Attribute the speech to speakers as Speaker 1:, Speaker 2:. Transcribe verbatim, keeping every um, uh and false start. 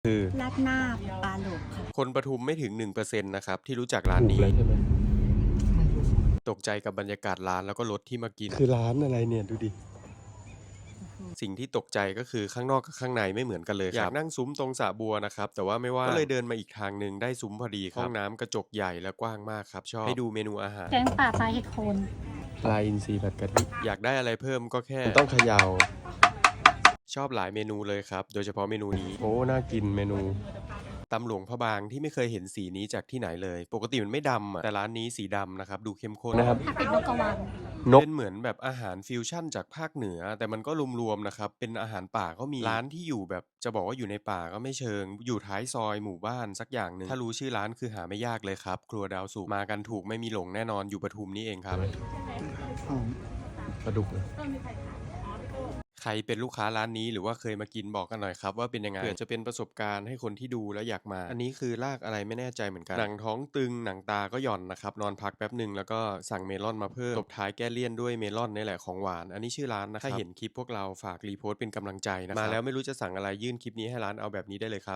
Speaker 1: คือ
Speaker 2: ราดหน้าปลาโหลกค่ะ
Speaker 1: คนปทุมไม่ถึง หนึ่งเปอร์เซ็นต์ นะครับที่รู้จักร้านนี้
Speaker 3: ใช่ไหม
Speaker 1: ตกใจกับบรรยากาศร้านแล้วก็รสที่มากิน
Speaker 3: คือร้านอะไรเนี่ยดูดิ
Speaker 1: สิ่งที่ตกใจก็คือข้างนอกกับข้างในไม่เหมือนกันเลยครับอยากนั่งซุ้มตรงสระบัวนะครับแต่ว่าไม่ว่างก็เลยเดินมาอีกทางหนึ่งได้ซุ้มพอดีครับห้องน้ำกระจกใหญ่และกว้างมากครับชอบให้ดูเมนูอาหาร
Speaker 2: แกงป่าปลาเห็ดโคน
Speaker 3: ปลาอินทรีผัดกะทิ
Speaker 1: อยากได้อะไรเพิ่มก็แค่
Speaker 3: มันต้องเขย่า
Speaker 1: ชอบหลายเมนูเลยครับโดยเฉพาะเมนูนี้
Speaker 3: โอ้น่ากินเมนู
Speaker 1: ตำหลวงพระบางที่ไม่เคยเห็นสีนี้จากที่ไหนเลยปกติมันไม่ดำอะแต่ร้านนี้สีดำนะครับดูเข้มข้น
Speaker 3: นะครับ
Speaker 2: ผัดเป็นนกกระวาง
Speaker 3: นก
Speaker 1: เป็นเหมือนแบบอาหารฟิวชั่นจากภาคเหนือ แต่มันก็รวมๆนะครับเป็นอาหารป่าก็มีร้านที่อยู่แบบจะบอกว่าอยู่ในป่าก็ไม่เชิง อยู่ท้ายซอยหมู่บ้านสักอย่างหนึ่งถ้ารู้ชื่อร้านคือหาไม่ยากเลยครับครัวดาวสุกมากันถูกไม่มีหลงแน่นอนอยู่ปทุมนี่เองครับ
Speaker 3: ปลาดุกเลย
Speaker 1: ใครเป็นลูกค้าร้านนี้หรือว่าเคยมากินบอกกันหน่อยครับว่าเป็นยังไงเผื่อจะเป็นประสบการณ์ให้คนที่ดูแล้วอยากมา อันนี้คือลากอะไรไม่แน่ใจเหมือนกันหนังท้องตึงหนังตาก็หย่อนนะครับนอนพักแป๊บหนึ่งแล้วก็สั่งเมลอนมาเพิ่มตบท้ายแก้เลี่ยนด้วยเมลอนนี่แหละของหวานอันนี้ชื่อร้านนะครับถ้าเห็นคลิปพวกเราฝากรีโพสต์เป็นกำลังใจนะครับมาแล้วไม่รู้จะสั่งอะไรยื่นคลิปนี้ให้ร้านเอาแบบนี้ได้เลยครับ